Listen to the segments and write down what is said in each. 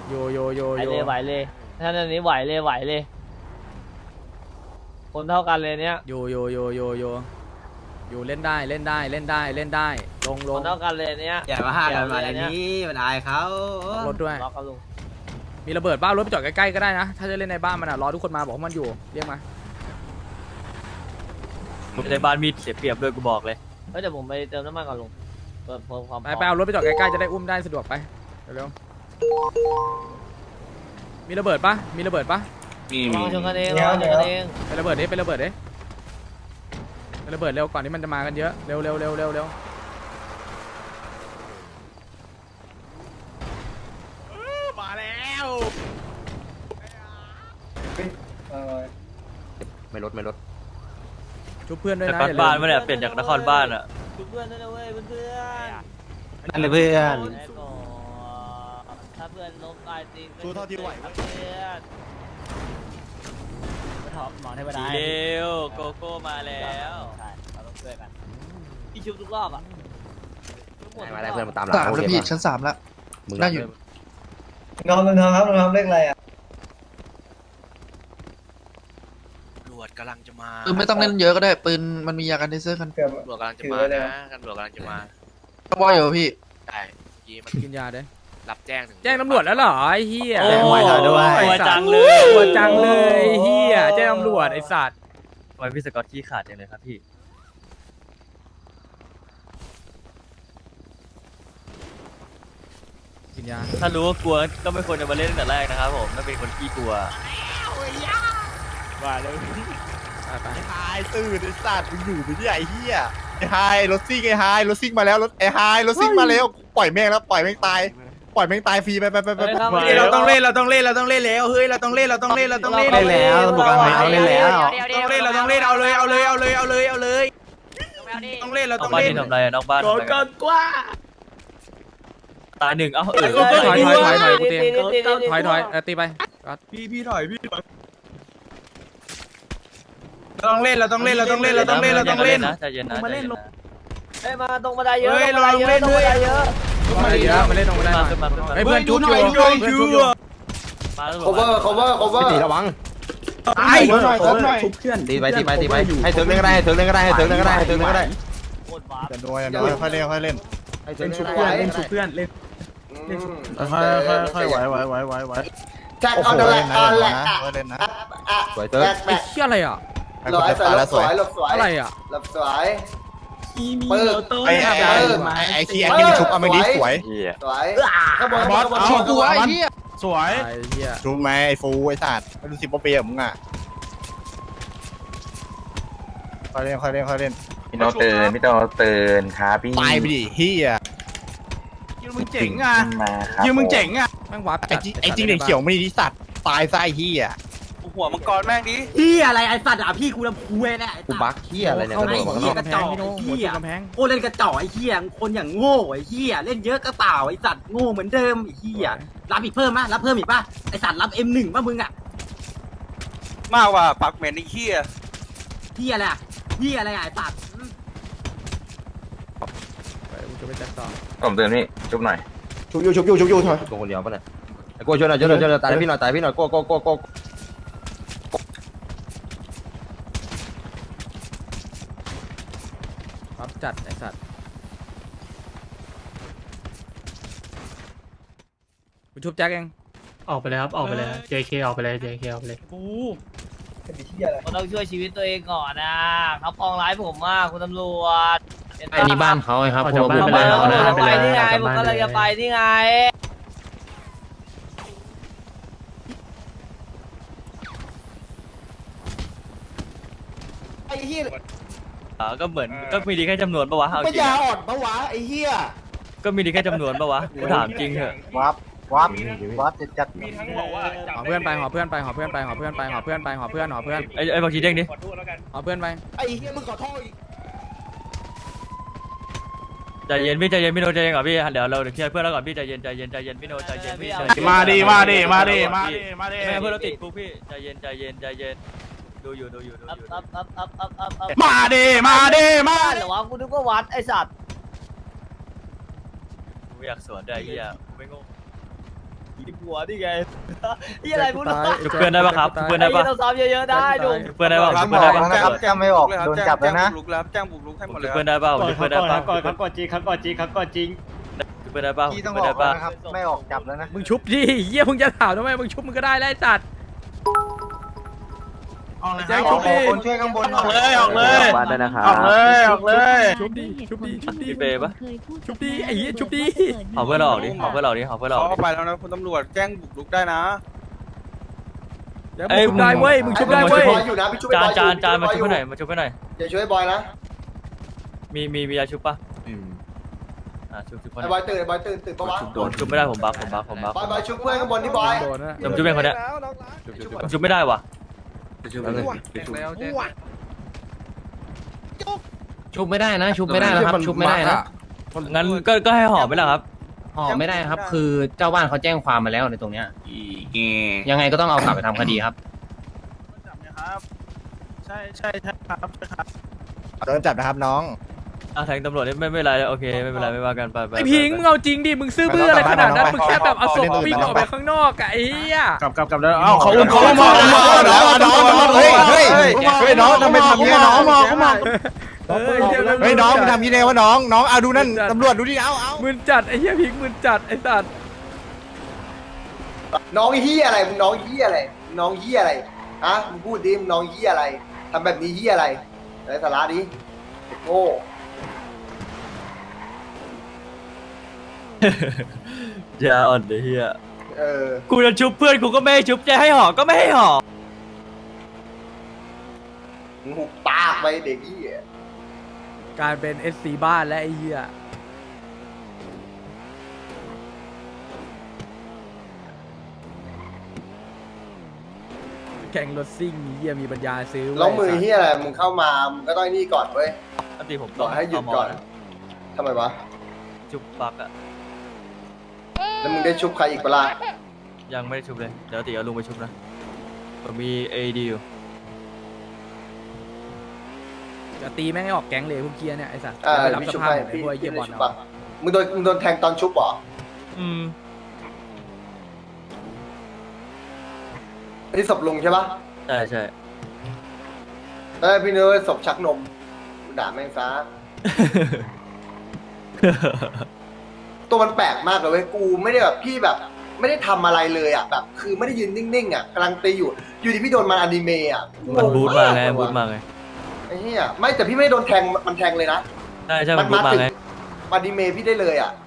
โยโยโยไหวโยเลยไหวเลยท่านอันนี้ไหวเลยไหวเลยคนเท่ากันเลยเนี้ยโยโยโยโยโยอยู่เล่นได้เล่นได้เล่นได้เล่นได้ลงลคงนเท่ากันเลยเนี้ยอย่ามาห้ากันมาในนี้มันอายเขารถด้วยล็อกกันลุงมีระเบิดบ้ารถไปจอดใกล้ๆก็ได้นะถ้าจะเล่นในบ้านมันรอทุกคนมาบอกว่ามันอยู่เรียกมาในบ้านมีเสียเปรียบด้วยกูบอกเลยเฮ้ยเดี๋ยวผมไปเติมน้ำมันก่อนลุงเพิ่มความไปเอารถไปจอดใกล้ๆจะได้อุ้มได้สะดวกไปเร็วๆมีระเบิดปะมีระเบิดปะลองชนกันเองลองชนกันเองไประเบิดดิไประเบิดดิไประเบิดเร็วก่อนที่มันจะมากันเยอะเร็วเร็วเร็วเร็วเร็วมาแล้วไม่ลดชุบเพื่อนด้วยแต่นะก่อนบ้านไม่ได้เปลี่ยนจากนครบ้านอ่ะเพื่อนด้วยนะเว้ยเพื่อนนั่นเลยเพื่อนถ้าเพื่อนล้มตายจริงสู้เท่าที่ไหวเพื่อนหมอเทวดาเร็วโกโก้มาแล้วใช่เราต้องช่วยกันพี่ชุบทุกรอบอ่ะมาได้เพื่อนมาตามหลัง 3แล้วพี่ชั้น3แล้ว น่าอยู่น้องครับน้องเลขอะไรอ่ะตำรวจกำลังจะมาปืนไม่ต้องเล่นเยอะก็ได้ปืนมันมียากันเทเซอร์กันเกือบตำรวจกำลังจะมานะตำรวจกำลังจะมาว่าอยู่พี่ได้เมื่อกี้มันกินยาเด้รับแจ้งถึงแจ้งตำรวจแล้วเหรอไอ้เหี้ยโอ้ไว้เราด้วยตัวจังเลยตัวจังเลยไอ้เหี้ยแจ้งตำรวจไอ้สัตว์ทำไมพี่สกอตขี้ขาดจังเลยครับพี่กินยาถ้ารู้ว่ากลัวก็ไม่ควรจะมาเล่นตั้งแต่แรกนะครับผมไม่เป็นคนขี้กลัวมาเลยไปไปไอ้ไฮตื่นไอ้สัตว์มึงอยู่ไปที่ไอ้เหี้ยไอ้ไฮรถซิ่งไอ้ไฮรถซิ่งมาแล้วรถไอ้ไฮรถซิ่งมาแล้วปล่อยแม่งแล้วปล่อยแม่งตายปล่อยแม่งตายฟรีไปเราต้องเล่นแล้วเฮ้ยเราต้องเล่นแล้วเล่นแล้วตำรวจเอาเล่นแล้วต้องเล่นเราต้องเล่นเอาเลยต้องเล่นเรานอต้อก งบ้านเล่นนี่ทำไรอะนอกบ้านทำอะไรกันกว่าตายหนึ่งเอ้าเออถอยกูเตียงถอยตีไปพี่ถอยต้องเล่นเราต้องเล่นนะใจเย็นนะมาเล่นลงเฮ้ยมาตรงบันไดเยอะเฮ้ยตรงบันไดเยลองเล่อะนตรงด้บัวยนไดเยอะมาเยอะมาเล่นตรงไม่ได้มามาขึ้นมาขึ้นมาเฮ้ยเพื่อนจุ๊บอยู่เพื่อนจุ๊บอยู่มาแล้วพี่ตีระวังตายชุบเพื่อนตีไปให้เถิงเล่นก็ได้ให้เถิงเล่นก็ได้โคตรว้าจะนัวค่อยเล่นค่อยเล่นให้เถิงชุบเพื่อนเล่นชุบเพื่อนเล่นค่อยไหวแจ็คโอ้โหเอาเล่ละนนะเอาละเล่นนะสวยเถิงไอ้เหี้ยอะไรอ่ะหลบสวยหลบสวยหลบสวยอะไรอ่ะหลบสวยปืนไอ้ที่แอดมินชุบเอาไม่ดีสวยสวยข้างบนบอสข้างบนเอาตัวไอ้เหี้ยสวยไอ้เหี้ยชุบไหมไอ้ฟูไอ้สัตว์ไม่รู้10 ปีอะมึงอ่ะค่อยเล่นพี่โนเตือนครับพี่ตายไปดิเฮียยืมมึงเจ๋งอ่ะมาครับยืมมึงเจ๋งอ่ะแม่งวับไอ้จริงเด็กเขียวไม่ดีสัตว์ตายซะไอ้เฮียหัวมังกรแม่งดิพี่อะไรไอ้สัตว์อ่ะพี่กูลำพูเน่ะกูบักเฮียอะไรเนี่ยเข้ากระโดดหัวมากำแพงพี่โน้หัวจุกกำแพงโอ้เล่นกระจอกไอ้เหี้ยคนอย่างโง่ไอ้เหี้ยเล่นเยอะก็เปล่าไอ้สัตว์โง่เหมือนเดิมไอ้เหี้ยรับอีกเพิ่มมั้ยรับเพิ่มอีกป่ะไอ้สัตว์รับ M1 ป่ะมึงอ่ะมากกว่าปักเหม็นไอ้เหี้ยเหี้ยอะไรอ่ะเหี้ยอะไรอ่ะไอ้สัตว์ไปกูจะไปแจ็คต่อผมเตือนพี่จุ๊บหน่อยชุบอยู่ทำไมโกคนเดียวป่ะเนี่ยไอ้โก้ช่วยหน่อยตายพี่หน่อยโก้วับจัดไอ้สัตว์กูชุบแจ็คเองออกไปเลยครับ ออกไปเลย JK ออกไปเลย JK ออกไปเลยกูผมต้องช่วยชีวิตตัวเองก่อนนะเขาปองร้ายผมมากคุณตำรวจอันนี้บ้านเขาไงครับผมพวกไปบ้านเขานะที่ไงออกจากผมบ้านก็ไปเลยจะไปที่ไงไอ้เหี้ยก็เหมือนก็มีดีแค่จำนวนปะวะเอาจปัญริงญาอ่อนปะวะไอ้เหี้ยก็มีดีแค่จำนวนปะวะกูถามจริงเถอะวับจัดหอเพื่อนไปหอเพื่อนไปหอเพื่อนไปหอเพื่อนไปหอเพื่อนไปหอเพื่อนหอเพื่อนไอ้บางทีเด้งดิหอเพื่อนไปไอ้เหี้ยมึงขอโทษอีกใจเย็นพี่โนใจเย็นก่อนพี่เดี๋ยวเราเคลียร์เพื่อนแล้วก่อนพี่ใจเย็นพี่โนใจเย็นพี่มาดิไม่ให้เพื่อนเราติดคุกพี่ใจเย็นดูอยู่มาดิหรือว่ากูนึกว่าวัดไอสัตว์กูอยากสวนได้เหี้ยไม่งงหัวนี่ไงที่อะไรพูดหน่อยชุบเพื่อนได้ปะครับชุบเพื่อนได้ปะต้องซ้อมเยอะๆได้ดูชุบเพื่อนได้ปะชุบเพื่อนได้ปะแจ้งไม่ออกโดนจับแล้วนะแจ้งบุกรุกให้หมดเลชุบยเพื่อนได้ปะชุบเพื่อนได้ปะก่อนจริงครับก่อนจริงครับก่อนจริงชุบเพื่อนได้ปะพี่ชุต้บองเพื่อนอได้อกปะนะครับไม่ออกจับแล้วนะมึงชุบดิเหี้ยมึงจะถามทำไมมึงชุบมึงก็ได้แล้วไอ้สัตว์แจ้งชุบดิคนช่วยข้างบนออกเลยออกเลยบ้านด้วยนะครับออกเลยออกเลยชุบดิชุบดิชุบดิพี่เปย์ปะชุบดิไอ้เหี้ยชุบดิเอาเพื่อนเราออกดิเอาเพื่อนเราออกดิเอาเพื่อนเราออกเขาดิไปแล้วนะคุณตำรวจแจ้งบุกรุกได้นะเดี๋ยวมึงชุบได้เว้ยมึงชุบได้ช่วเว้ยยบอยอยู่นะพี่ช่วยบอยอยู่จานมาชุบไปหน่อยมาชุบไปหน่อยอย่าช่วยบอยนะมียาชุบปะชุบคนไอ้บอยตื่นไอ้บอยตื่นปะวะชุบไม่ได้ผมบักผมบักบอยชุบเพื่อนข้างบนที่บอยโดนนะผมชุบเป็นคนเนี้ยผมชุบไม่ได้วะชุบไม่ได้นะชุบไม่ได้นะครับชุบไม่ได้นะงั้นก็ให้ห่อไปแล้วครับห่อไม่ได้ครับคือเจ้าบ้านเขาแจ้งความมาแล้วในตรงเนี้ยยังไงก็ต้องเอากลับไปทำคดีครับใช่ครับโดนจับนะครับน้องแทงตำรวจนี่ไม่เป็นไรโอเคไม่เป็นไรไม่ว่ากันไปไอ้พิงมึงเอาจริงดิมึงซื้อเบื่ออะไรขนาดนั้นมึงแค่แบบเอาศพปิ้งออกไปข้างนอกอะไอ้เหี้ยกลับแล้วเอ้าเขาอุ้มน้องเฮ้ยน้องทำไมทำเงี้ยน้องเฮ้ยน้องมึงทำยี่ไงวะน้องเอาดูนั่นตำรวจดูดิเอามึนจัดไอ้เหี้ยพิงมึนจัดไอ้สัตว์น้องเฮียอะไรมึงน้องเฮียอะไรน้องเฮียอะไรฮะมึงพูดดิมึงน้องเฮียอะไรทำแบบนี้เฮียอะไรไร้สาระดิโง่อย่าอ่อนเลยเฮียอกูจะชุบเพื่อนกูก็ไม่ให้ชุบจะให้ห่อก็ไม่ให้ห่อมึงหุบปากไปเด็กเฮียการเป็น SC บ้านและไอ้เหี้ยแข่งรถซิ่งมีเหี้ยมีปัญญาซื้อเว้ยล้องมือเฮียอะไรมึงเข้ามามึงก็ต้องนี่ก่อนเว้ยปกติผมบอกให้หยุดก่อนทำไมวะชุบปักอะแล้วมึงได้ชุบใครอีกเปล่ายังไม่ได้ชุบเลยเดี๋ยวตีเอาลุงไปชุบนะผมมี AD อยู่จะตีแม่งให้ออกแก๊งเลยพวกเกียร์เนี่ยไอ้สัตว์อ่าไปรับพี่สชุบภาพให้ไอ้พี่พวกไอ้เกียพี่ร์บอลชุบเอาปะมึงโดนแทงตอนชุบเหรออืมอันนี้ศพลุงใช่ปะใช่ใช่แล้วพี่นึกว่าศพชักนมกูด่าแม่งซะ ตัวมันแปลกมากเลยเว้ยกูไม่ได้แบบพี่แบบ ไม่ได้ทำอะไรเลยอ่ะแบบคือไม่ได้ยืนนิ่งๆอ่ะกำลังตีอยู่ดีพี่โดนมันอนิเมะอ่ะมันบูทมาไงบูทมาไงไอ้เหี้ยไม่แต่พี่ไม่ได้โดนแทงมันแทงเลยนะใช่ใช่มันบูทมาไงอนิเมะพี่ได้เลยอ่ะ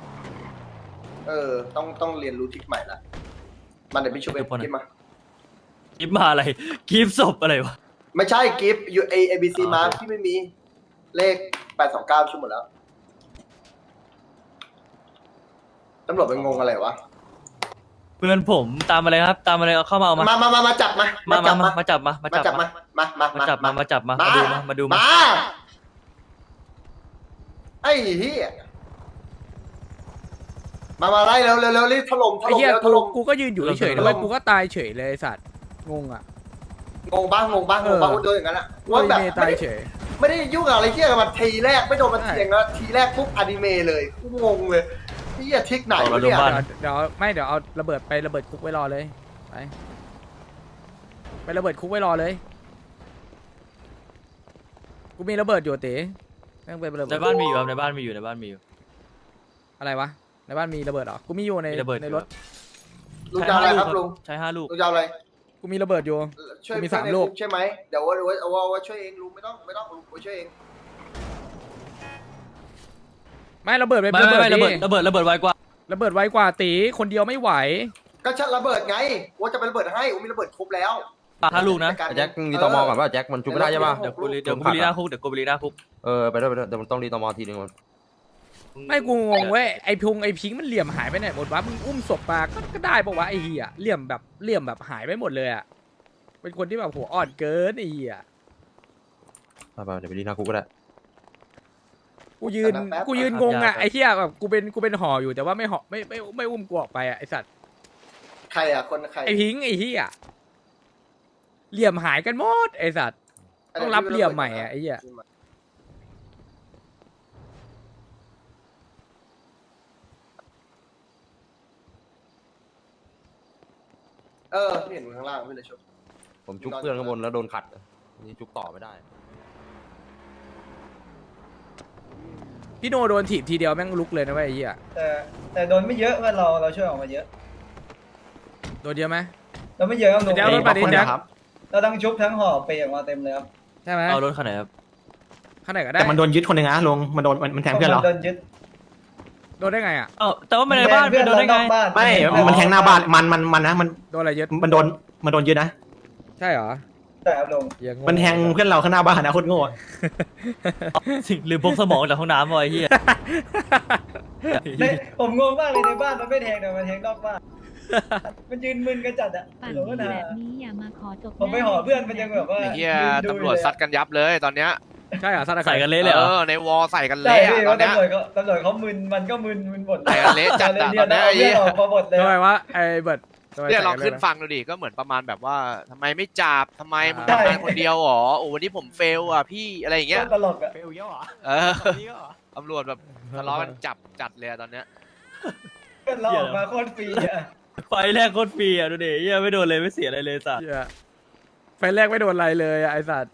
ต้องเรียนรู้ทริคใหม่ละมันเดี๋ยวพี่ช่วยไปกิฟมากิฟมาอะไรกิฟศพอะไรวะไม่ใช่กิฟยูเอบีซีมาพี่ไม่มีเลข829ชั่วหมดแล้วตำรวจเป็นงงอะไรวะเพื่อนผมตามอะไรครับตามอะไรเอาเข้ามาเอามามาจับมามาจับมาจับมามาจับมามาจับมามาดูมาไอ้เหี้ยมาไล่เร็วรีบถล่มไอ้เหี้ยถล่มกูก็ยืนอยู่เฉยๆแล้วกูก็ตายเฉยเลยไอ้สัตว์งงอ่ะงงบ้างโดนอย่างนั้นอ่ะว่าว่าแบบเมย์ตายเฉยไม่ได้ยุ่งอะไรเที่ยกับมันทีแรกไม่โดนมันเทียงแล้วทีแรกปุ๊บอนิเมะเลยกูงงเลยนี่อย่าทิกไหนวะเนี่ยเดี๋ยวเอาระเบิดไประเบิดคุกไว้รอเลยไประเบิดคุกไว้รอเลยกูมีระเบิดอยู่เต๋ต้องไประเบิดในบ้านมีอยู่ครับในบ้านมีอยู่อะไรวะในบ้านมีระเบิดเหรอกูมีอยู่ในระเบิดในรถลุงจะอะไรครับลุงใช้5 ลูกลุงจะอะไรกูมีระเบิดอยู่ช่วยมีเพื่อน 3 ในลูกคุใช่ไหมเดี๋ยวว่าช่วยเองลุงไม่ต้องลุงช่วยเองไม่ระเบิดไปไม่ระเบิดไวกว่าระเบิดไวกว่าตีคนเดียวไม่ไหวก็ชัดระเบิดไงว่าจะเป็นระเบิดให้มีระเบิดครบแล้ว 5 ลูกนะแจ็คมีตมก่อนว่าแจ็คมันชุบไม่ได้ใช่ป่ะเดี๋ยวกูไปรีหน้าคุกเดี๋ยวกูไปรีหน้าคุกไปด้วยเดี๋ยวมันต้องรีตมทีนึงไม่กูงงเว้ยไอพิงมันเหลี่ยมหายไปไหนหมดวะมึงอุ้มศพมาก็ได้ปะวะไอเหี้ยเหลี่ยมแบบหายไปหมดเลยอ่ะเป็นคนที่แบบหัวอ่อนเกินไอเหี้ยไปเดี๋ยวไปรีหน้าคุกก็ได้กูยืนงงอ่ะไอเหี้ยแบบกูเป็นห่ออยู่แต่ว่าไม่ห่อไม่อุ้มกูออกไปอ่ะไอสัตว์ใครอ่ะคนใครไอพิงไอเหี้ยเหลี่ยมหายกันหมดไอสัตว์ต้องรับเหลี่ยมใหม่อ่ะไอเหี้ยเห็นมึงข้างล่างไม่เลยชุบผมจุกเพื่อนข้างบนแล้วโดนขัดนี่จุกต่อไม่ได้พี่โนโดนถีบทีเดียวแม่งลุกเลยนะเว้ยไอ้เหี้ยแต่โดนไม่เยอะเพื่อนเราช่วยออกมาเยอะโดนเยอะไหมเราไม่เยอะครับแจ็ครถมาดิแจ็คเราทั้งชุบทั้งห่อไปออกมาเต็มเลยครับใช่ไหมเอารถคันไหนครับข้างไหนก็ได้แต่มันโดนยึดคนหนึ่งนะลุงมันโดนมันแทงเพื่อนเหรอโดนยึดโดนได้ไงอ่ะเอ้าแต่ว่ามันในบ้านเพื่อนโดนได้ไงไม่มันแทงหน้าบ้านมันนะมันโดนอะไรยึดมันโดนยึดนะใช่เหรอแต่ครับลงอย่างงมันแทงเพื่อนเราข้างหน้าบ้านนะโคตรโง่ลืมพกสมองจากห้องน้ำไว้เฮียผมงงมากเลยในบ้านมันไม่แทงแต่มันแทงนอกบ้านมันยืนมึนกันจัดอ่ะปั่นหลงก็ดีนาแบบนี้อย่ามาขอจบผมไปห่อเพื่อนมันยังแบบว่าไอ้เหี้ยตำรวจซัดกันยับเลยตอนเนี้ยใช่เหรอสัตว์ใส่กันเละเลยเหรอในวอใส่กันใช่เละพี่ตอว่านเนี้ยตำรวจเขามึนมันก็มึนหมดใส่กันเละจัดอะเรียนตอนเนี้ยไอ้เหี้ยออกมาหมดเลยทำไมวะไอ้เบิร์ดทำไมเนี่ยลองใส่กัขึ้นลยะฟังดูดิก็เหมือนประมาณแบบว่าทำไมไม่จับทำไมมึงทำงานคนเดียวหรอโอ้วันนี้ผมเฟลอ่ะพี่อะไรอย่างเงี้ยตลกอ่ะเฟลเยอะเหรอเออตำรวจแบบทะเลาะกันจัดเลยอะตอนเนี้ยเพื่อนเราออกมาโคตรฟรีอ่ะไฟแรกโคตรฟรีอ่ะดูดิเฮียไม่โดนเลยไม่เสียอะไรเลยสัตว์เหี้ยไฟแรกไม่โดนอะไรเลยอะไอ้สัตว์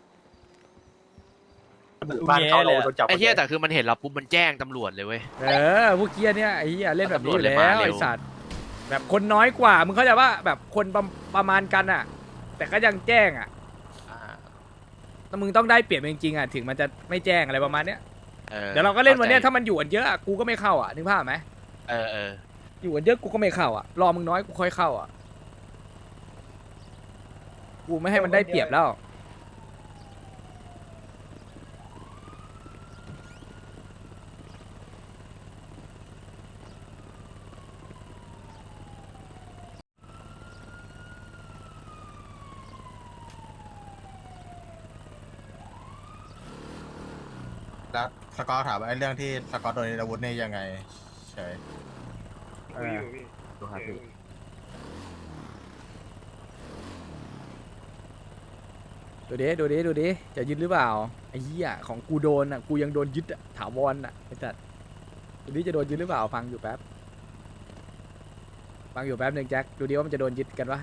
บ้านเขาเราโดนจับไอ้เหี้ยแต่คือมันเห็นเราปุ๊บมันแจ้งตำรวจเลยเว้ยพวกเกียเนี่ยไอ้เหี้ยเล่นแบบนี้อยู่แล้ตำรวจเลยมาว เร็วไอ้สัตว์แบบคนน้อยกว่ามึงเข้าใจว่าแบบคนประมาณกันอ่ะ แต่ก็ยังแจ้งอ่ะแต่มึงต้องได้เปรียบจริงๆอ่ะถึงมันจะไม่แจ้งอะไรประมาณเนี้ยเดี๋ยวเราก็เล่นวันเนี้ยถ้ามันอยู่กันเยอะอะกูก็ไม่เข้าอ่ะนึกภาพไหมเอออยู่กันเยอะกูก็ไม่เข้าอ่ะรอมึงน้อยกูค่อยเข้าอ่ะกูไม่ให้มันได้เปรียบแล้วแล้วสกอตถามว่าไอ้เรื่องที่สกอตโดนอาวุธนี่ยังไงใช่ดูครับพี่ดูดิจะยึดหรือเปล่าไอ้เหี้ยของกูโดนอ่ะกูยังโดนยึดอ่ะถาวรอ่ะไอ้สัตว์ดูดิจะโดนยึดหรือเปล่าฟังอยู่แป๊บหนึ่งแจ็คดูดิว่ามันจะโดนยึดกันปะ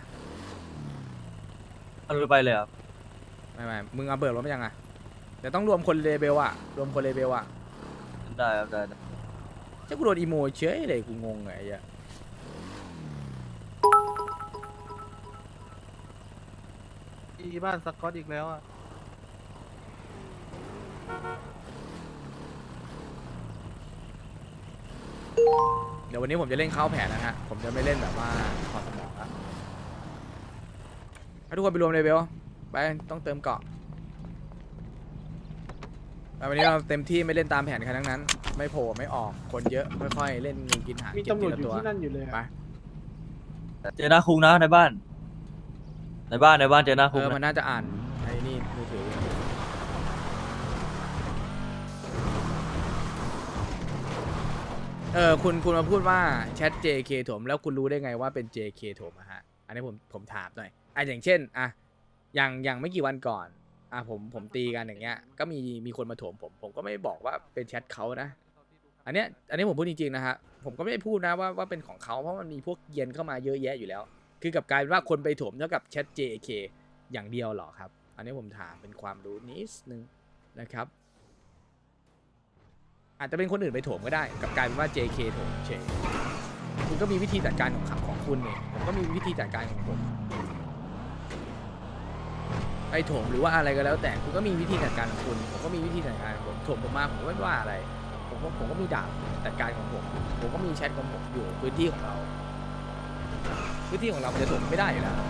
มันไปเลยครับไม่มึงเอาเบิร์ดรถมายังอ่ะเดี๋ยวต้องรวมคนเลเบลอ่ะได้ครับได้เจ้ากูโดนอีโมเฉยเลยกูงงไงไอ้เหี้ยที่บ้านสกอตอีกแล้วอ่ะเดี๋ยววันนี้ผมจะเล่นเข้าแผนนะฮะผมจะไม่เล่นแบบว่าถอดสมองละให้ทุกคนไปรวมเลเบลไปต้องเติมเกาะวันนี้เราเต็มที่ไม่เล่นตามแผนใครทั้งนั้นไม่โผล่ไม่ออกคนเยอะค่อยๆเล่นงูกินหางมีตำรวจอยู่ที่นั่นอยู่เลยไปเจอหน้าคุกนะในบ้านเจอหน้าคุกมันน่าจะอ่านไอ้นี่มือถือคุณมาพูดว่าแชท JK ถมแล้วคุณรู้ได้ไงว่าเป็น JK ถมอะฮะอันนี้ผมถามหน่อยอย่างเช่นอย่างไม่กี่วันก่อนผมตีกันอย่างเงี้ยก็มีคนมาโถมผมก็ไม่บอกว่าเป็นแชทเขานะอันนี้ผมพูดจริงๆนะฮะผมก็ไม่ได้พูดนะว่าเป็นของเขาเพราะมันมีพวกเย็นเข้ามาเยอะแยะอยู่แล้วคือกลับกลายเป็นว่าคนไปโถมเท่ากับแชท JK อย่างเดียวหรอครับอันนี้ผมถามเป็นความรู้นิดนึงนะครับอาจจะเป็นคนอื่นไปโถมก็ได้กลับกลายเป็นว่า JK โถมเฉยคุณก็มีวิธีจัดการของคุณเนี่ยผมก็มีวิธีจัดการของผมไปโถมหรือว่าอะไรก็แล้วแต่คุณก็มีวิธีจัดการของคุณผมก็มีวิธีจัดการของผมโถมผมมาผมก็ไม่ว่าอะไรผมก็มีดาบจัดการของผมก็มีแชทของผมอยู่พื้นที่ของเรามันจะโถมไม่ได้อยู่แล้ว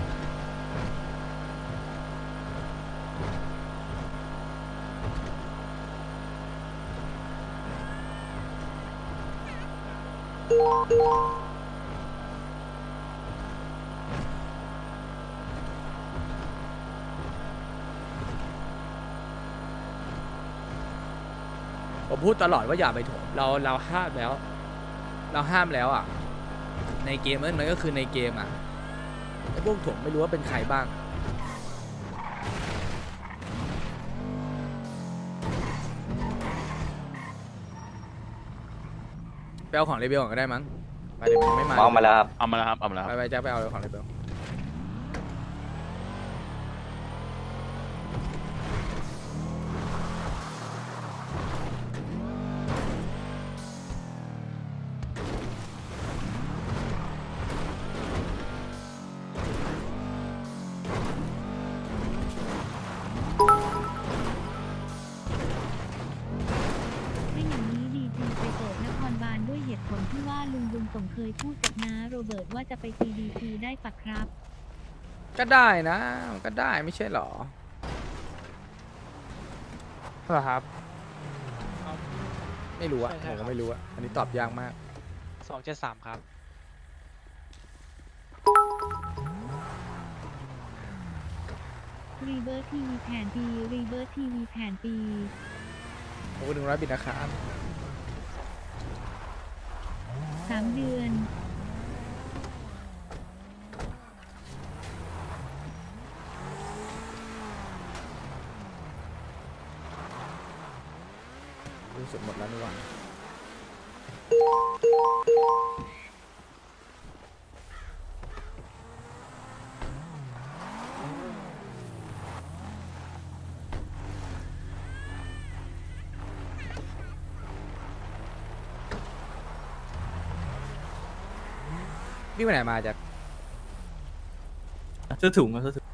ผมพูดตลอดว่าอย่าไปโถมเราห้ามแล้วอ่ะในเกมมันก็คือในเกมอ่ะไอ้พวกโถมไม่รู้ว่าเป็นใครบ้างไปเอาของเลเบลก่อนก็ได้มั้งไปเดี๋ยวมันยังไม่มาเอามาแล้วครับเอามาแล้วครับไปแจ็คไปเอาของเลเบลที่ว่าลุงบุญส่งเคยพูดกับน้าโรเบิร์ตว่าจะไป CDC ได้ปะครับก็ได้นะก็ได้ไม่ใช่หรอเหรอครับไม่รู้อะใช่ผมครัก็บไม่รู้อะอันนี้ตอบยากมาก 273ครับรีเบิร์ทีวีแผนปีรีเบิร์ทีวีแผนปีโอ้100 บิตนะครับ 3 เดือนรู้สึกหมดแล้วนี่หว่าพี่ไปไหนมาจากซื้อถุงมาซื้อถุง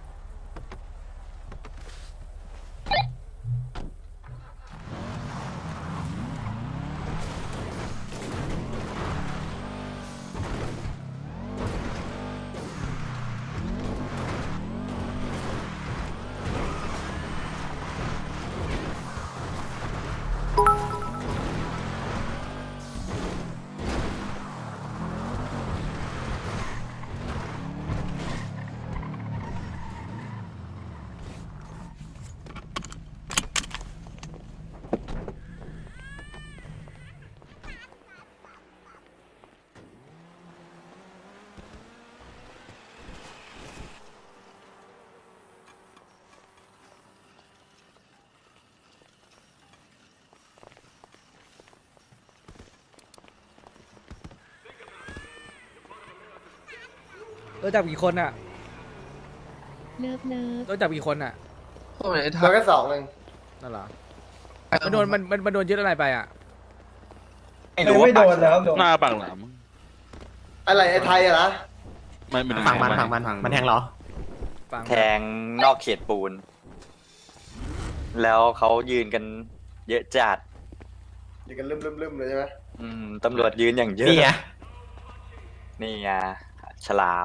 รู้จักกี่คนอะเลิฟรู้จักกี่คนอะพวกไหนทัเรากแค่2เองนั่นเหรอมันโดนมันโดนยึดอะไรไปอะไม่โดนแล้วหน้าปังหลามอะไรไอ้ไทยอะนะฝั่งมันมันแทงเหรอฟังแทงนอกเขตปูน แล้วเขายืนกันเยอะจัดอยู่กันลืมๆเลยใช่ไหมตำรวจยืนอย่างเยอะ นี่ไงฉลาม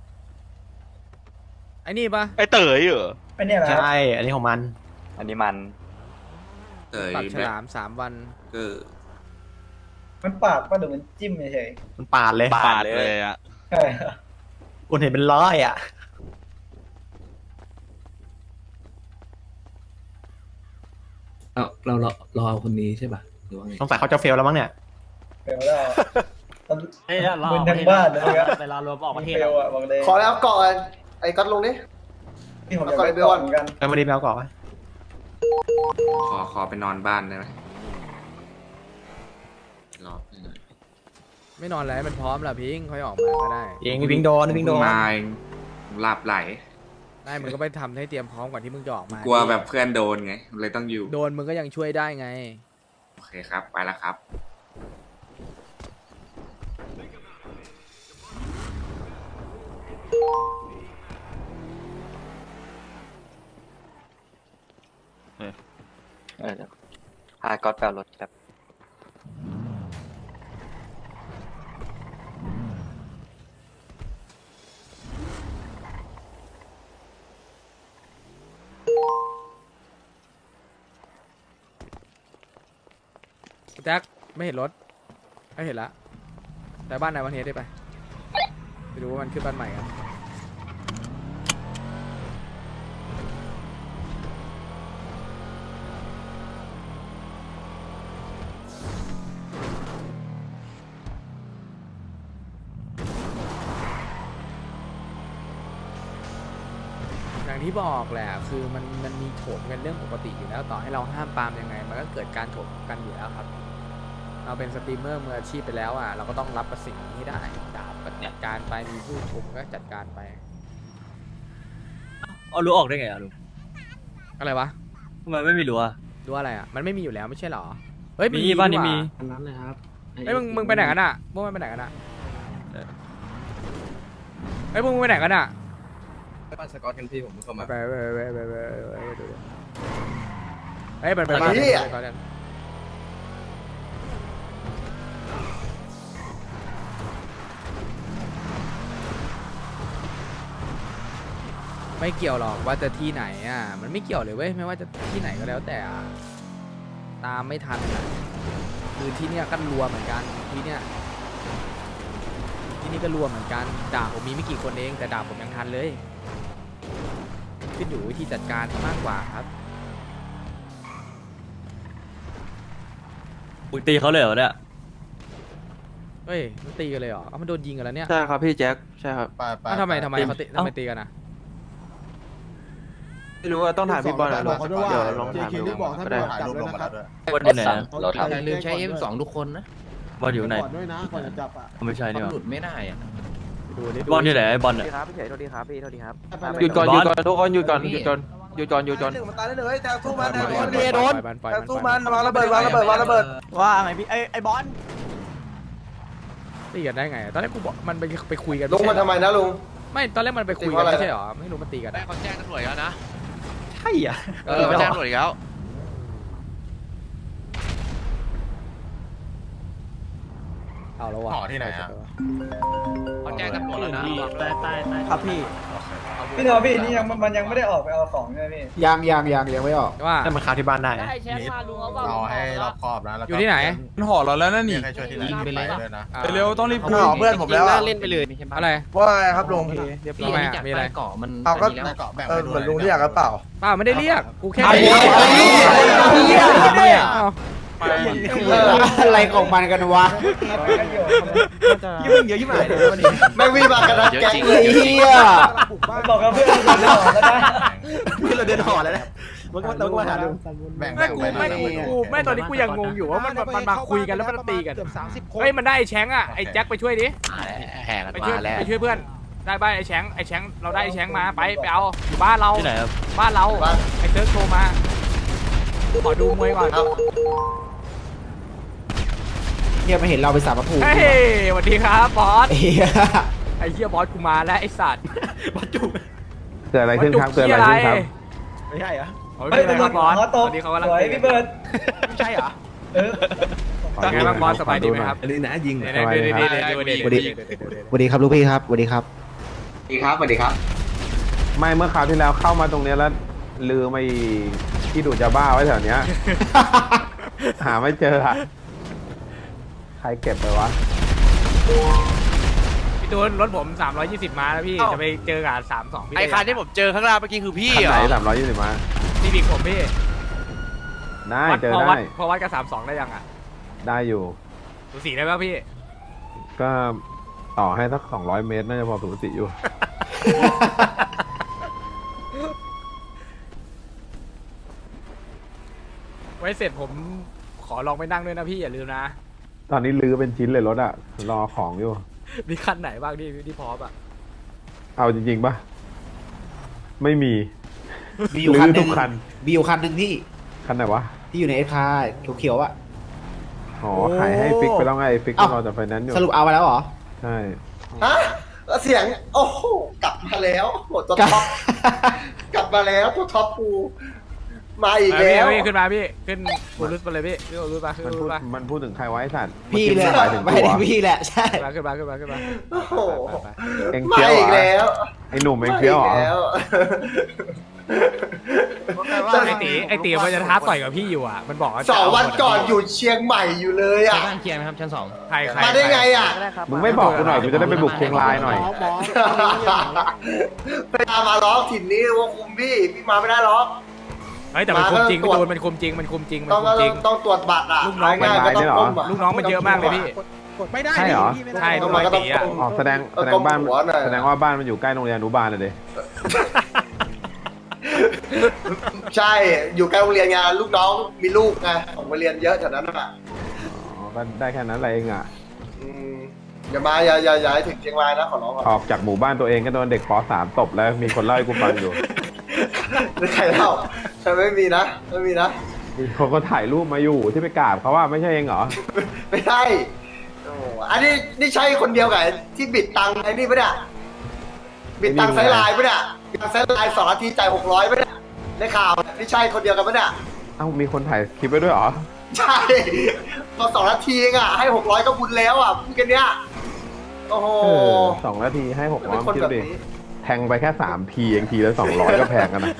ไอ้นี่ปะไอเต๋อเหรอไอ้เนี่ยนะใช่ อันนี้ของมันอันนี้มันปรับฉลาม3 วันมันปาดป่ะหรือมันจิ้มเฉยมันปาดเลยปาดเลยอ่ะๆใช่คุณเห็นเป็นร้อยอ่ะเรารอคนนี้ใช่ป่ะหรือว่าไงสงสัยเขาจะเฟลแล้วมั้งเนี่ยเฟลแล้วเฮ้ยเรามึนทั้งบ้านเลยครับเวลารวมออกประเทศเฟลอ่ะบอกเลยขอแล้วเกาะไอ้ก๊อตลงดิที่ผมอยากไปก่อนเหมือนกันมาดีแมวก่อนไหมขอไปนอนบ้านได้ไหมรอไม่นอนแล้วมันพร้อมแล้วพิงค่อยออกมาก็ได้เองวิ่งโดนวิ่งโดนมาหลับไหลได้มึงก็ไปทำให้เตรียมพร้อมก่อนที่มึงจะออกมากลัวแบบเพื่อนโดนไงเลยต้องอยู่โดนมึงก็ยังช่วยได้ไงโอเคครับ ไปแล้วครับเดี๋ยวพาก๊อตแปลรถครับแจ็คไม่เห็นรถไม่เห็นละแต่บ้านนายวันเฮดได้ไปดูว่ามันขึ้นบ้านใหม่กันอย่างที่บอกแหละคือมันมีโถมกันเรื่องปกติอยู่แล้วต่อให้เราห้ามปรามยังไงมันก็เกิดการโถมกันอยู่แล้วครับเราเป็นสตรีมเมอร์มืออาชีพไปแล้วอ่ะเราก็ต้องรับกับสิ่งนี้ให้ได้ดาบก็จัดการไปมีผู้ชมก็จัดการไปเอารู้ออกได้ไงอ่ะลุงอะไรวะทำไมไม่มีรู้อ่ะดูอะไรอ่ะมันไม่มีอยู่แล้วไม่ใช่หรอเฮ้ยมีบ้านนี้มีอันนั้นเลยครับเฮ้ยมึงไปไหนกันอ่ะพวกมันไปไหนกันอ่ะเฮ้ยพวกมึงไปไหนกันอ่ะบ้านสกอตกันพี่ผมเข้ามาไปดูเฮ้ยมันไปบ้านเหี้ยก่อนกันไม่เกี่ยวหรอกว่าจะที่ไหนอ่ะมันไม่เกี่ยวเลยเว้ยไม่ว่าจะที่ไหนก็แล้วแต่อะตามไม่ทันอะคือที่เนี้ยก็รัวเหมือนกันที่เนี้ยที่นี่ก็รัวเหมือนกันด่าผมมีไม่กี่คนเองแต่ด่าผมยังทันเลยขึ้นอยู่วิธีจัดการมากกว่าครับมึงตีเขาเลยเหรอเนี่ยเฮ้ยมันตีกันเลยเหรอมันโดนยิงกันแล้วเนี่ยใช่ครับพี่แจ็คใช่ครับทำไมเขาตีกันนะไม่รู้ว่าต้องถามพี่บอลนะเดี๋ยวลองถามดูก็ได้บอลอยู่ไหนอะอย่าลืมใช้ F2 ทุกคนนะบอลอยู่ไหนด้วยนะก่อนจะจับอ่ะไม่ใช่นี่หว่าหลุดไม่ได้อะดูดิบอลอยู่ไหนไอ้บอลเนี่ยครับพี่เฉยโทษทีครับพี่โทษทีครับหยุดก่อนหยุดก่อนทุกคนหยุดก่อนหยุดก่อนหยุดก่อนหยุดก่อนมันตายได้เลยแต่สู้มันสู้มันวางระเบิดวางระเบิดวางระเบิดว่าไงพี่ไอ้บอลตีกันได้ไงตอนแรกกูบอกมันไปคุยกันลุงมันทำไมนะลุงไม่ตอนแรกมันไปคุยกันไม่ใช่หรอไม่รู้มันตีกันได้เขาแจ้งตำรวจแล้วนะใช่อ่ะเขาแจ้งตำรวจแล้วเอาแล้วว่ะห่อที่ไหนอะเขาแจ้งตำรวจแล้วนะครับพี่พี่โทพี่นี่ยังมันยังไม่ได้ออกไปเอาของใช่ไหมพี่ยังไม่ออกว่านั่นมันค้าที่บ้านได้นะได้แชมป์มาลุงเอาบ้างเอาให้รอบคอบนะแล้วอยู่ที่ไหนมันห่อเราแล้วนั่นนี่ใครช่วยที่ไหนยิงไปเลยด้วยนะเร็วต้องรีบคุยเพื่อนผมแล้วเล่นไปเลยใช่ปะอะไรว่าไงครับลุงพี่อันนี้จากใต้เกาะมันเอาก็อันนี้แล้วเกาะแบ่งไปเหมือนลุงที่อยากกระเป๋าเปล่าไม่ได้เรียกกูแค่อะไรของมันกันวะยุ่งเยอะยิ่งใหญ่เลยวันนี้ไม่วิ่งมากันนะแก๊งเลยเฮียบอกกับเพื่อนเราเดินออกแล้วนะพี่เราเดินห่อแล้วนะมันก็ต้องมาหาดูแบ่งไม่กูไปไม่กูไม่ตอนนี้กูยังงงอยู่ว่ามันมาคุยกันแล้วมันตีกันเฮ้ยมันได้ไอ้แชงอะไอ้แจ็คไปช่วยดิแห่กันไปช่วยมาแล้วไปช่วยเพื่อนได้บ้านไอ้แชงเราได้ไอ้แชงมาไปเอาอยู่บ้านเราที่ไหนครับบ้านเราไอ้เซิร์ฟโทรมาขอดูมวยก่อนเฮียมาเห็นเราไปสาบภูมิเฮ้ยสวัสดีครับบอสเฮียไอ้เหี้ยบอสกูมาแล้วไอ้สัตว์เกิดอะไรขึ้นครับเกิดอะไรขึ้นครับไม่ใช่เหรอไม่เป็นไรครับบอสตอนนี้เขากำลังตีพี่เบิร์ดไม่ใช่เหรอไงบ้างบอสสบายดีไหมครับอันนี้นะยิงเดี๋ยวสวัสดีครับลูกพี่ครับสวัสดีครับดีครับสวัสดีครับไม่เมื่อคราวที่แล้วเข้ามาตรงเนี้ยแล้วลืมไอ้ที่ดูดยาบ้าไว้แถวเนี้ย หาไม่เจออะใครเก็บไปวะพี่ตูนรถผม320ม้าแล้วพี่จะไปเจอกับ32พี่ไอ้คันที่ผมเจอข้างล่างเมื่อกี้คือพี่คันเหรไหนอ 320มาซีวิกผมพี่ได้เจอพอได้วัดกับ32ได้ยังอ่ะได้อยู่สูสีได้ป่ะพี่ก็ต่อให้สัก200 เมตรน่าจะพอสูสีอยู่ไว้เสร็จผมขอลองไปนั่งด้วยนะพี่อย่าลืมนะตอนนี้ลื้อเป็นชิ้นเลยรถอะรอของอยู่มีคันไหนบ้างที่พร้อมอ่ะเอาจริงๆปะไม่มีมีอยู่คันหลื้อนึทุงกคันมีอยู่คันหนึ่งที่คันไหนวะที่อยู่ในเอสคาเขียวๆอ่ะอ๋อขายให้ฟิกไปแล้วไงฟิกก็รอจากไฟแนนซ์อยู่สรุปเอาไปแล้วเหรอใช่ฮะแล้วเสียง โอ้โห กลับมาแล้วโหตัวท็อป กลับมาแล้วตัวท็อปกู มาอีกแล้วพี่ขึ้นมาพี่ขึ้นบูรุสไปเลยพี่ขึ้นบูรุสมาขึ้นมันบูพูรุดสมามันพูดถึงใครไวะไอ้สัตว์พี่เลยหมายถึงไม่ตัวได้พี่แหละใช่ขึ้นมาขึ้นมาขึ้นมาโอ้โหเอ็งมาเคี้ยวอีกเหรอแล้วไอ้หนุ่มเอ็งเคี้ยวเหรอมาอีกแล้วไอตีมันจะท้าต่อยกับพี่อยู่อ่ะมันบอกว่าสองวันก่อนอยู่เชียงใหม่อยู่เลยใช้อ่ะบ้านเคลียร์ไหมครับชั้นสองใครมาได้ไงอ่ะมึงไม่บอกกูหน่อยกูจะได้ไปบุกเชียงรายหน่อยไปตามมาล้อถิ่นนี้ว่าคุมพี่มาไม่ได้หรอกเฮ้ยแต่มันคุมจริงพี่ตูนมันคุมจริงมันคุมจริงมันต้องคุมจริงต้องตรวจบัตรอ่ะลูกน้องมันง่ายๆก็ต้องก้มอะลูกน้องมันเยอะมากเลยพี่ไม่ได้ใช่เหรอใช่ลูกน้องตีอ่ะอ๋อแสดงบ้านแสดงว่าบ้านมันอยู่ใกล้โรงเรียนอนุบาลเลยดิใช่อยู่ใกล้โรงเรียนไงลูกน้องมีลูกไงของโรงเรียนเยอะแถวนั้นอ่ะอ๋อก็ได้แค่นั้นอะไรเองอ่ะอืมอย่ามาอย่าให้ถึงเชียงรายนะขอร้องก่อนออกจากหมู่บ้านตัวเองก็โดนเด็กป .3 ตบแล้วมีคนเล่าให้กูฟังอยู่ไม่ใครเล่าใช่ไม่มีนะไม่มีนะมีคนก็ถ่ายรูปมาอยู่ที่ไปกราบเขาว่าไม่ใช่เองเหรอไม่ใช่โอ้อันนี้นี่ใช่คนเดียวกับที่บิดตังค์ไอ้นี่ปะเนี่ยบิดตังค์ไซไลน์ปะเนี่ยบิดตังค์ไซไลน์2 นาทีจ่าย600ปะเนี่ยในข่าวนี่ใช่คนเดียวกันปะเนี่ยเอ้ามีคนถ่ายคลิปไว้ด้วยเหรอใช่ตอน2 นาทีเองอ่ะให้600ก็บุญแล้วอ่ะพูดกันเนี้ยโอ้โห 2 นาทีให้600 เป็นคนคิดแบบดินี้แทงไปแค่3ทีเองทีละ200ก็แพงกันนะ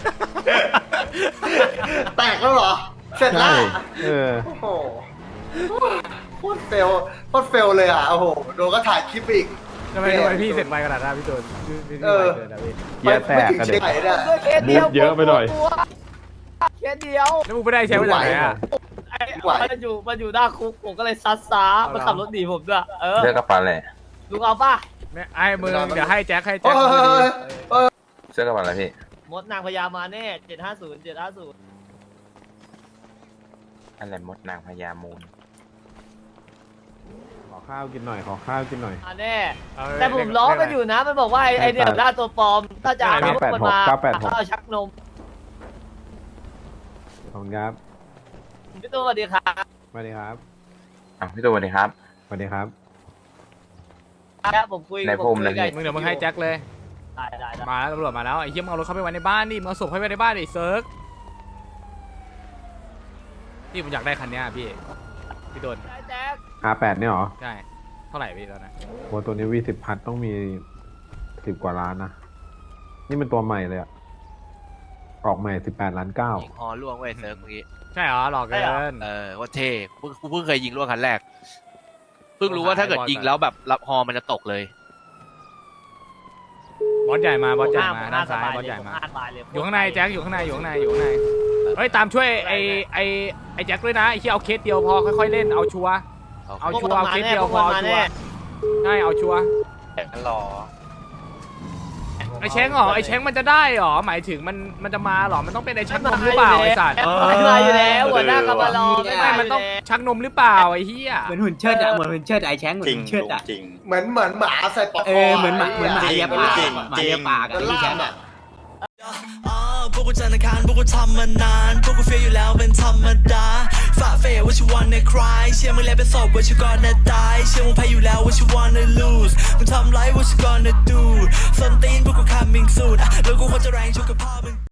แตกแล้วเหรอ เสร็จแล้วเออโอ้โหโคตรเฟลเลยอ่ะ โอ้โห โดนก็ถ่ายคลิปอีกทำไมพี่เสร็จไวขนาดนั้นพี่ตูนพี่ไวเกินนะพี่เกียร์แตกกันเด็กไม่ถึงชีวิตไหนเนี่ยบูทเยอะไปหน่อยแค่เดียวแล้วมึงไม่ได้ใช้มาจากไหนอ่ะมันอยู่หน้าคุกผมก็เลยซัดซ้ามันขับรถหนีผมด้วยเลือกกระเป๋าอะไรลุงเอาป่ะเนี่ยไอ้มึงเดี๋ยวให้แจ็คโอ้ยเสื้อกระเป๋าอะไรพี่มดนางพญามาแน่750 อะไรมดนางพญามูลขอข้าวกินหน่อย ขอข้าวกินหน่อยมาแน่แต่ผมล้อมันอยู่นะมันบอกว่าไอเนี่ยหน้าตัวปลอมถ้าจะเอาพวกมันมาเอาชักนมขอบคุณครับพี่ตัวสวัสดีครับสวัสดีครับพี่ตัวสวัสดีครับสวัสดีครับผมคุยในภูมินะพี่มึงเดี๋ยวมึงให้แจ็คเลยได้มาแล้วตำรวจมาแล้วไอ้เหี้ยมึงเอารถเข้าไปไว้ในบ้านดิมึงเอาศพเข้าไปในบ้านดิเซิร์กพี่ผมอยากได้คันเนี้ยพี่โดนแจ็ค R8 เนี่ยเหรอใช่เท่าไหร่พี่ตอนนั้นโอ้ตัวนี้V10 พัทต้องมี10 กว่าล้านนะ นี่เป็นตัวใหม่เลยอะออกใหม่18.9 ล้านยิงฮอล่วงเว้ยเซิร์ฟเมื่อกี้ใช่เหรอหลอกเกินว่าเท่กูเพิ่งเคยยิงล่วงคันแรก เพิ่งรู้ว่าถ้าเกิดยิงแล้วแบบรับฮอมันจะตกเลยบอสใหญ่มาด้านซ้ายบอสใหญ่มาอยู่ข้างในแจ็คอยู่ข้างในเฮ้ยตามช่วยไอ้แจ็คด้วยนะไอ้ที่เอาเคสเดียวพอค่อยๆเล่นเอาชัวร์เอาชัวร์เอาเคสเดียวพอเอาชัวร์ใช่เอาชัวร์รอไอ้แช้งเหรอไอ้แช้งมันจะได้เหรอหมายถึงมันจะมาเหรอมันต้องเป็นไอ้ชักนมหรือเปล่าไอ้สัตว์มาอยู่แล้วหัวหน้ากำมารอไม่มันต้องชักนมหรือเปล่าไอ้เหี้ยเหมือนหุ่นเชิดอะเหมือนหุ่นเชิดไอ้แช้งเหมือนหุ่นเชิดอะเหมือนหมาใส่ปอกคอเหมือนหมาเลียปากหมาเลียปากอะที่แช้งอะพวกกูจันทร์อังคารพวกกูทำมานานพวกกูเฟียอยู่แล้วเป็นธรรมดาฝ่าเฟย what you wanna cry เชื่อมึงแล้วเป็นศพ what you gonna die เชื่อมึงแพ้อยู่แล้ว what you wanna lose มึงทำไร what you gonna do ส้นตีนพวกกู coming soon แล้วกูควรจะแรงชุกกับพ่อมึง